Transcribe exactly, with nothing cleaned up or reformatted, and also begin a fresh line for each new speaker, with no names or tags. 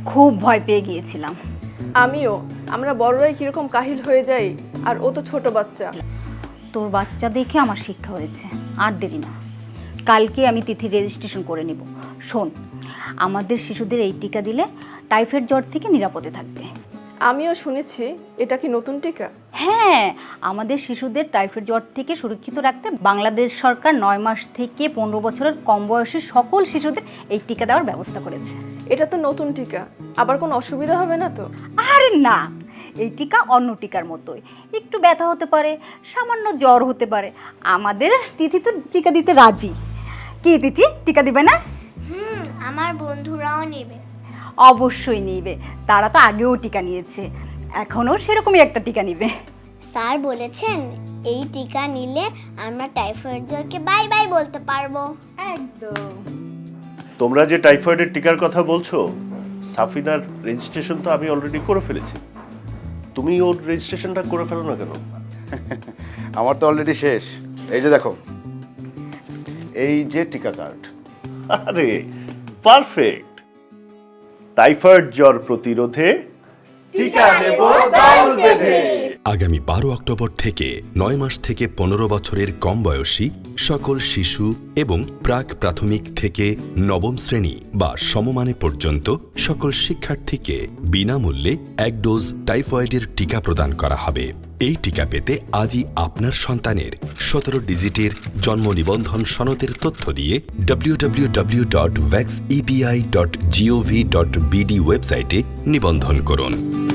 খুব ভয় পেয়ে গিয়েছিলাম।
আমিও। আমরা বড়রাই কিরকম কাহিল হয়ে যাই, আর ও তো ছোট বাচ্চা।
তোর বাচ্চা দেখে আমার শিক্ষা হয়েছে, আর দেরি না, কালকে আমি তিথি রেজিস্ট্রেশন করে নিব। শোন, আমাদের শিশুদের এই টিকা দিলে টাইফয়েড জ্বর থেকে নিরাপদে থাকবে।
আমিও শুনেছি এটা কি নতুন টিকা?
হ্যাঁ, আমাদের শিশুদের টাইফয়েড জ্বর থেকে সুরক্ষিত রাখতে বাংলাদেশ সরকার নয় মাস থেকে পনেরো বছরের কম বয়সী সকল শিশুদের এই টিকা দেওয়ার ব্যবস্থা করেছে।
এটা তো নতুন টিকা, আবার কোনো অসুবিধা হবে না তো?
আরে না, এই টিকা অন্য টিকার মতোই, একটু ব্যথা হতে পারে, সামান্য জ্বর হতে পারে। আমাদের তিথি তো টিকা দিতে রাজি। কি তিথি, টিকা দিবে না?
হুম, আমার বন্ধুরাও নেবে।
অবশ্যই নিবে, তারা তো আগেও টিকা নিয়েছে, এখনও সেরকমই একটা টিকা নিবে।
স্যার বলেছেন এই টিকা নিলে আমরা টাইফয়েড জ্বরকে বাই বাই বলতে পারবো।
একদম।
তোমরা যে টাইফয়েডের টিকার কথা বলছো, সাফিনার রেজিস্ট্রেশন তো আমি অলরেডি করে ফেলেছি। তুমি ওর রেজিস্ট্রেশনটা করে ফেলো না কেন?
আমার তো অলরেডি শেষ। এই যে দেখো, এই যে টিকা কার্ড।
আরে পারফেক্ট। টাইফয়েড জ্বর প্রতিরোধে টিকা নেব দল বেঁধে।
আগামী বারো অক্টোবর থেকে নয় মাস থেকে পনেরো বছরের কম বয়সী সকল শিশু এবং প্রাক প্রাথমিক থেকে নবম শ্রেণী বা সমমানে পর্যন্ত সকল শিক্ষার্থীকে বিনামূল্যে এক ডোজ টাইফয়েডের টিকা প্রদান করা হবে। এই টিকা পেতে আজই আপনার সন্তানের সতেরো ডিজিটের জন্ম নিবন্ধন সনদের তথ্য দিয়ে W W W dot vax EPI dot gov dot BD ওয়েবসাইটে নিবন্ধন করুন।